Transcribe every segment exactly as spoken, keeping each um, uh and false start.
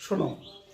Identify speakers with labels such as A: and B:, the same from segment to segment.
A: শোনো,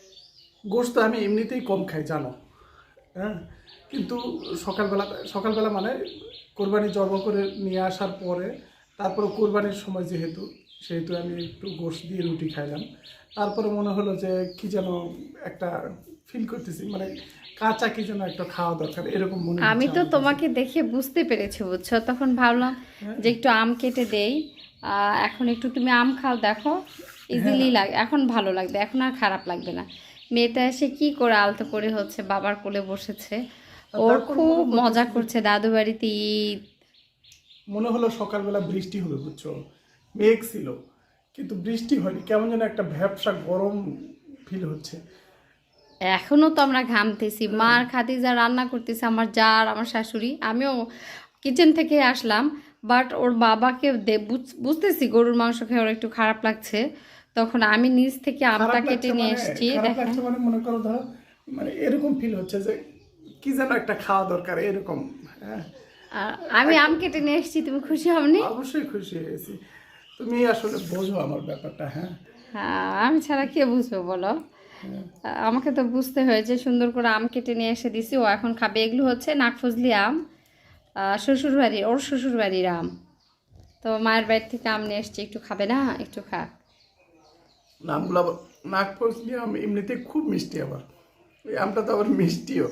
A: গোশত আমি এমনিতেই কম খাই জানো, হ্যাঁ। কিন্তু সকালবেলা সকালবেলা মানে কোরবানি জবাই করে নিয়ে আসার পরে তারপরে কোরবানির সময় যেহেতু সেহেতু আমি একটু গোশত দিয়ে রুটি খাইলাম। তারপরে মনে হলো যে কি যেন একটা ফিল করতেছি, মানে কাঁচা কি যেন একটা খাওয়া দরকার এরকম মনে
B: আমি
A: হচ্ছে
B: তো
A: আমার কাছে।
B: তোমাকে দেখে বুঝতে পেরেছি, বুঝছো? তখন ভাবলাম
A: হ্যাঁ,
B: যে একটু আম কেটে দেই। আহ, এখন একটু তুমি আম খাও, দেখো
A: হ্যাঁ।
B: ইজিলি লাগে, এখন ভালো লাগবে, এখন আর খারাপ লাগবে না। মেয়েটা এসে কি করে আলতো করে হচ্ছে বাবার কোলে বসেছে,
A: আর
B: ওর
A: তারপর
B: খুব
A: মনে
B: মজা
A: করতেছি যে
B: করছে দাদু বাড়িতে ঈদ।
A: মনে হলো সকালবেলা বৃষ্টি হবে, বুঝছো, মেঘ ছিল কিন্তু বৃষ্টি হয়নি, কেমন যেন একটা ভ্যাপসা গরম ফিল হচ্ছে।
B: এখনো তো আমরা ঘামতেছি, মার খাতিজা রান্না করতেছে, আমার জা আর আমার শাশুড়ি, আমিও কিচেন থেকে আসলাম। বাট ওর বাবাকে দে- বুঝ- বুঝতেছি গরুর মাংস খেয়ে ওর একটু খারাপ লাগছে। তখন আমি নিজ থেকে আমটা
A: খারাপ
B: কেটে
A: লাগছে
B: নিয়ে
A: মানে
B: এসেছি,
A: খারাপ
B: দেখেন।
A: লাগছে মানে মনে করো ধরো, মানে এরকম ফিল হচ্ছে যে কি যেন একটা খাওয়া দরকার এরকম। হ্যাঁ,
B: আর আমি আম
A: একটা-
B: কেটে নিয়ে এসেছি, তুমি খুশি হওনি?
A: অবশ্যই খুশি হয়েছি। তুমি আসলে বোঝো আমার ব্যাপারটা। হ্যাঁ,
B: হ্যাঁ, আমি ছাড়া কে বুঝবে বলো? আ- আমাকে তো বুঝতে হয়েছে, সুন্দর করে আম কেটে নিয়ে এসে দিছি, ও এখন খাবে। এগুলো হচ্ছে নাকফজলি আম, আহ, শ্বশুর বাড়ির, ওর শ্বশুর বাড়ির আম। তো মায়ের বাড়ি থেকে আম নিয়ে এসছি, একটু খাবে না? একটু খা।
A: নামগুলো আবার নাক ফসলি আম এমনিতে খুব মিষ্টি, আবার ওই আমটা তো আবার মিষ্টিও।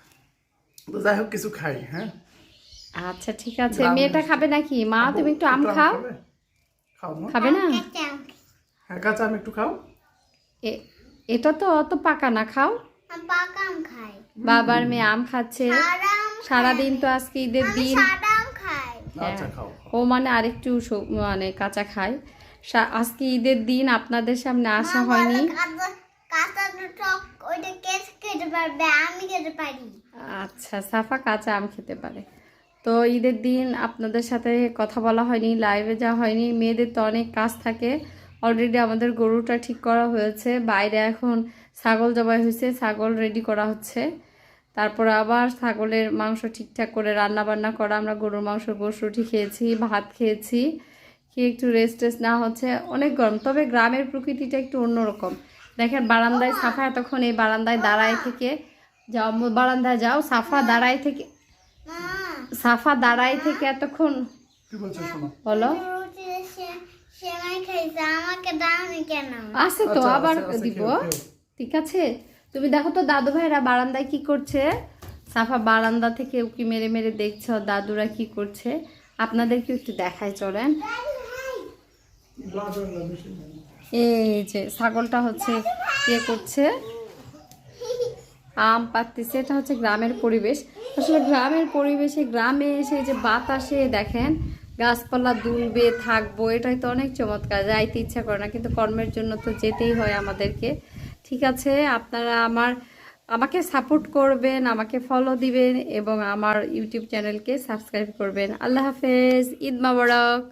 A: তো যাই হোক কিছু খাই। হ্যাঁ,
B: আচ্ছা ঠিক আছে,
A: গ্রামে
B: মেয়েটা
A: আসছি।
B: খাবে নাকি? মা
A: আব্বু
B: তুমি একটু আম
A: একটু আম
B: খাও।
A: খাবে? খাও মা।
B: খাবে না?
A: হ্যাঁ, কাঁচা আম একটু খাও।
B: এ এটা তো অত পাকা না, খাও।
C: আমি পাকা আম খাই।
B: বাবার মেয়ে আম খাচ্ছে।
C: সাদা আম খাই
B: সারাদিন
C: আমি।
B: তো আজকে ঈদের
C: আমি
B: দিন।
C: সাদা আম খাই।
B: হ্যাঁ,
A: আচ্ছা, খাও খাও।
B: ও মানে আরেকটু স- মানে কাঁচা খায়। সা- আজকে ঈদের দিন আপনাদের সামনে
C: মা
B: আসা
C: বলে
B: হয়নি।
C: কাঁচা কাঁচা টক ওইটা কে খেতে পারবে? আমি খেতে পারি।
B: আচ্ছা, সাফা কাঁচা আম খেতে পারে। তো ঈদের দিন আপনাদের সাথে কথা বলা হয়নি, লাইভে যাওয়া হয়নি, মেয়েদের তো অনেক কাজ থাকে। অলরেডি আমাদের গরুটা ঠিক করা হয়েছে, বাইরে এখন ছাগল জবাই হয়েছে, ছাগল রেডি করা হচ্ছে। তারপর আবার ছাগলের মাংস ঠিকঠাক করে রান্না বান্না করা। আমরা গরুর মাংস গোশ রুটি খেয়েছি, ভাত খেয়েছি, খেয়ে একটু রেস্ট টেস্ট না হচ্ছে, অনেক গরম। তবে গ্রামের প্রকৃতিটা একটু অন্যরকম। দেখেন বারান্দায় সাফা এতক্ষণ এই বারান্দায় দাঁড়ায় থেকে, যাও মো- বারান্দায় যাও, সাফা দাঁড়ায় থেকে,
C: মা
B: সাফা দাঁড়ায় থেকে এতক্ষণ।
A: কি বলছো শোনো?
B: বলো।
C: রুটি সেমাই খাইছে, আমাকে দাওনি কেন?
B: আছে তো,
A: আচ্ছা,
B: আবার
A: আছে, আছে,
B: দিব।
A: খেও, খেও।
B: ঠিক আছে, তুমি দেখো তো দাদু ভাইরা বারান্দায় কি করছে। সাফা বারান্দা থেকে উকি মেরে মেরে দেখছে ওর দাদুরা কি করছে। আপনাদেরকে একটু দেখাই, চলেন।
A: ব্লাড হয়ে যাবে সেই।
B: এই যে ছাগলটা হচ্ছে ইয়ে করছে, আম পাড়তেছে। এটা হচ্ছে গ্রামের পরিবেশ। আসলে গ্রামের পরিবেশে, গ্রামে এসে যে বাতাসে দেখেন গাছপালা দুলবে থাকবো, এটাই তো অনেক চমৎকার। যাইতে ইচ্ছা করে না, কিন্তু কর্মের জন্য তো যেতেই হয় আমাদেরকে। ঠিক আছে, আপনারা আমার আমাকে সাপোর্ট করবেন, আমাকে ফলো দিবেন এবং আমার ইউটিউব চ্যানেলকে সাবস্ক্রাইব করবেন। আল্লাহ হাফেজ, ঈদ মোবারক।